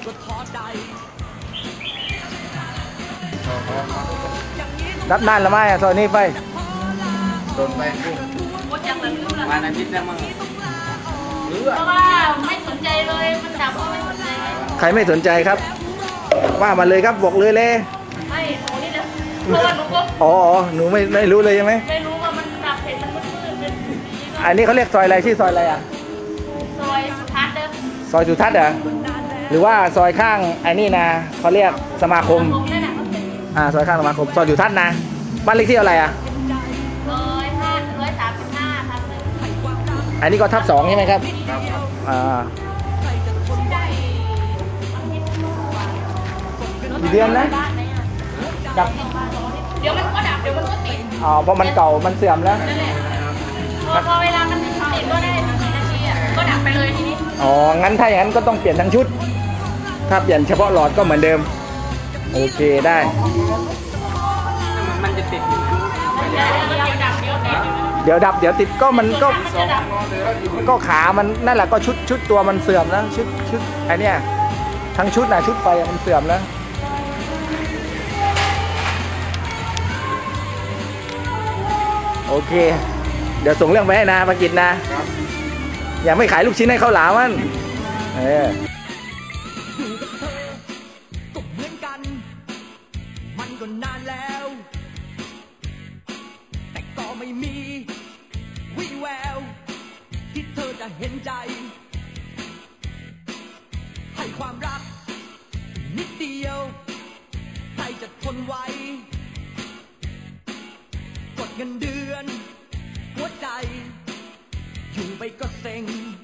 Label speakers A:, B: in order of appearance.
A: รับนานละไม่อะซอยนี้ไป
B: โดนไปวันอาทิตย์แล้วมั้ง
C: เพราะว่าไม่สนใจเลยมันดับก็ไม่สนใจ
A: ใครไม่สนใจครับว่ามาเลยครับบอกเลยเลย
C: ไม่หนูนี่แหละเพราะว่าหนูก็
A: อ๋อหนูไม่รู้เลยใช่ไหม
C: ไม่รู้ว่ามันดับเห็นมันมืดเป็น
A: อันนี้เขาเรียกซอยอะไรชื่อซอยอะไรอ่ะ
C: ซอยสุทัศน์เด้อ
A: ซอยสุทัศน์เหรอหรือว่าซอยข้างไอ้นี่นะเขาเรียกสมาคมซอยข้างสมาคมซอยสุทัศน์นะบ้านเลขที่อะไรอ่ะ
C: 135ทับ1
A: อันนี้ก็ทับ2ใช่ไหมครับกี่เดือนนะดับ
C: เดี๋ยวมันก็ดับเดี๋ยวมันก็ติด
A: เพราะมันเก่ามันเสื่อมแล้ว
C: นั่นแหละพอเวลามันติดก็ได้นาทีก็ดับไปเลยทีนี้
A: งั้นถ้าอย่างนั้นก็ต้องเปลี่ยนทั้งชุดถ้าเปลี่ยนเฉพาะหลอดก็เหมือนเดิมโอเคได้
B: มันจะติดอยู่
A: เดี๋ยวดับเดี๋ยวติดก็มันก็ขามันนั่นแหละก็ชุดตัวมันเสื่อมแล้วชุดไอเนี้ยทั้งชุดนะชุดไฟมันเสื่อมแล้วโอเคเดี๋ยวส่งเรื่องไปให้นาประกิตนะอย่าไม่ขายลูกชิ้นให้เขาหลามันอยู่กับเธอก็เหมือนกันมันก็นานแล้วแต่ก็ไม่มีวี่แววที่เธอจะเห็นใจให้ความรักนิดเดียวใครจะทนไหวกดเงินเดือนหัวใจอยู่ไปก็เซ็ง